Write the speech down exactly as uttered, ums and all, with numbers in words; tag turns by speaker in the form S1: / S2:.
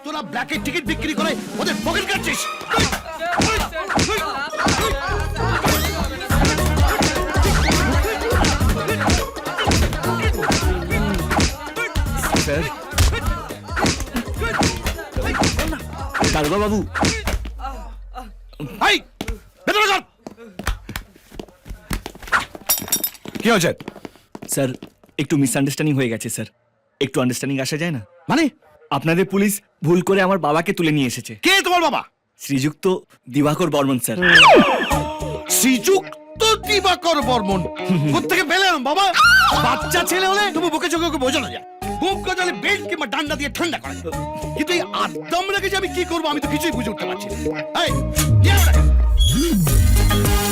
S1: তোরা ব্ল্যাকের টিকিট বিক্রি করে ওদের পকেট কাটছিস।
S2: স্যার দারোগা বাবু,
S1: এই ভেতরে চল। কি হয়েছে?
S2: স্যার একটু মিসআন্ডারস্ট্যান্ডিং হয়ে গেছে স্যার, একটু আন্ডারস্ট্যান্ডিং আসা যায় না?
S1: মানে
S2: আপনাদের পুলিশ ভুল করে আমার বাবাকে তুলে নিয়ে এসেছে।
S1: কে তোমার বাবা?
S2: শ্রীযুক্ত দিবাকর বর্মন স্যার।
S1: শ্রীযুক্ত দিবাকর বর্মন কোত্থেকে পেলেন বাবা? বাচ্চা ছেলে হলে তুমি বুকে চোখে ওকে বোঝানো যায়, বুক গজালে বেল্ট কিংবা ডান্ডা দিয়ে ঠান্ডা করে, কিন্তু এই আদম রেখে যে আমি কি করবো আমি তো কিছুই বুঝে উঠতে পারছি না। এই, নিয়ে আয় ওটাকে।